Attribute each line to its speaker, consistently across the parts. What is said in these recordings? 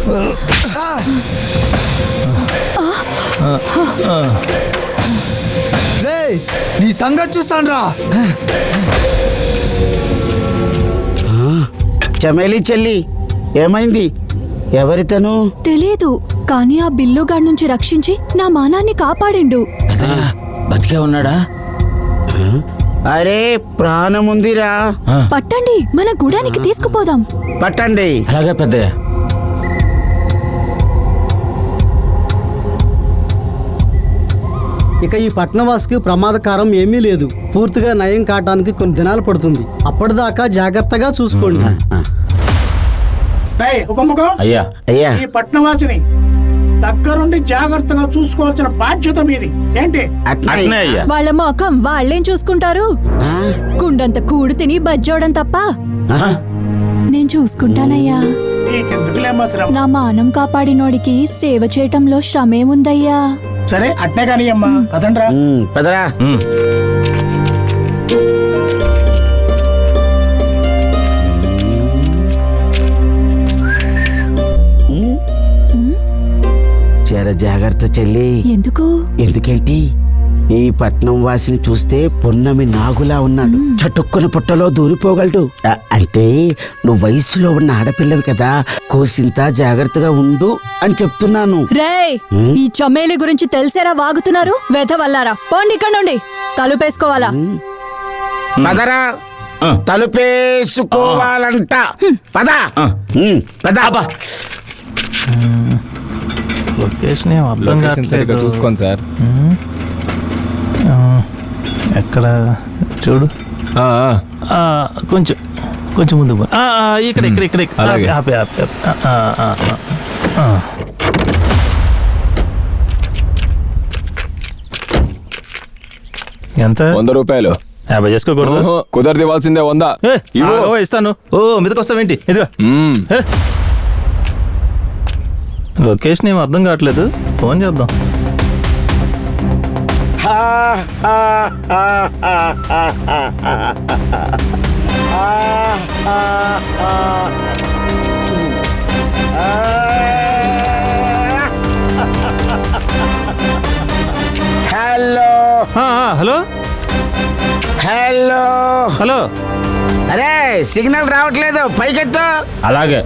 Speaker 1: నీ సంగతి చూస్తాను రా.
Speaker 2: చమేలి చెల్లి, ఏమైంది? ఎవరితను?
Speaker 3: తెలియదు, కానీ ఆ బిల్లుగాడి నుంచి రక్షించి నా మానాన్ని కాపాడిండు.
Speaker 4: బతికే ఉన్నాడా?
Speaker 2: అరే ప్రాణముందిరా.
Speaker 3: పట్టండి, మన గుడానికి తీసుకుపోదాం.
Speaker 2: పట్టండి.
Speaker 4: అలాగే పెద్దయ్య.
Speaker 5: ఇక ఈ పట్నవాసికి ప్రమాదకారం ఏమీ లేదు. పూర్తిగా నయం కావడానికి కొన్ని దినాలు పడుతుంది. అప్పటిదాకా జాగ్రత్తగా చూసుకోండి.
Speaker 4: అయ్యా
Speaker 2: అయ్యా,
Speaker 6: ఈ పట్నవాసిని దగ్గరుండి జాగ్రత్తగా చూసుకోవాల్సిన బాధ్యత మీది. ఏంటి?
Speaker 4: అట్నే అయ్యా.
Speaker 3: వాళ్ళ మొఖం వాళ్ళేం చూసుకుంటారు? కుండంత కూడు తిని బజ్జోడం తప్ప. నేను చూసుకుంటానయ్యా. నా మానం కాపాడినోడికి సేవ చేయటంలో శ్రమేముందయ్యా.
Speaker 6: సరే అట్నే కానీ అమ్మా, పదండ్రా.
Speaker 2: పదరా. జర జాగ్రత్త చెల్లి.
Speaker 3: ఎందుకు?
Speaker 2: ఎందుకేంటి? ఈ పట్నం వాసిని చూస్తే పొన్నమి నాగులా ఉన్నాడు. చటుక్కున పుట్టలో దూరిపోగలడు. అంటే నువ్వు వయసులో ఉన్న ఆడపిల్లవి కదా, కోసింత జాగ్రత్తగా ఉండు అని చెప్తున్నాను.
Speaker 3: రేయ్, ఈ చమేలి గురించి తెలిసేరా వాగుతున్నారు? వెధవల్లారా, పోండి ఇక్కడ నుండి. తలుపేసుకోవాలా?
Speaker 2: పదరా. తలుపేసుకోవాలంట. పద పద.
Speaker 7: లొకేషన్ ఏం అర్థం కావట్లేదు.
Speaker 8: చూసుకోండి సార్.
Speaker 7: ఎక్కడ చూడు. కొంచెం కొంచెం ముందు ఇక్కడ ఇక్కడ ఇక్కడ ఎంత?
Speaker 8: 100 రూపాయలు.
Speaker 7: 50 చేసుకోకూడదు.
Speaker 8: కుదరది ఇవ్వాల్సిందే 100.
Speaker 7: ఇస్తాను. ఓ మీదకొస్తావేంటి? ఇదిగో. లొకేషన్ ఏం అర్థం కావట్లేదు. ఫోన్ చేద్దాం.
Speaker 2: Hello
Speaker 7: hello
Speaker 2: hello
Speaker 7: hello.
Speaker 2: అరే సిగ్నల్ రావట్లేదు, పైకెత్తు.
Speaker 4: అలాగే.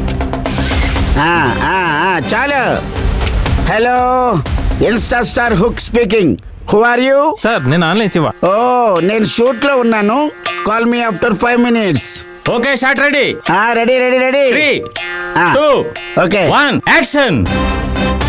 Speaker 2: చాలు. Hello, insta star hook speaking. Who are you?
Speaker 7: Sir నేను ఆన్లైన్ శివ.
Speaker 2: ఓ, నేను షూట్ లో ఉన్నాను. Call me after 5 minutes.
Speaker 4: Okay, shot ready.
Speaker 2: Ready ready ready.
Speaker 4: 3, 2,
Speaker 2: okay
Speaker 4: 1 action.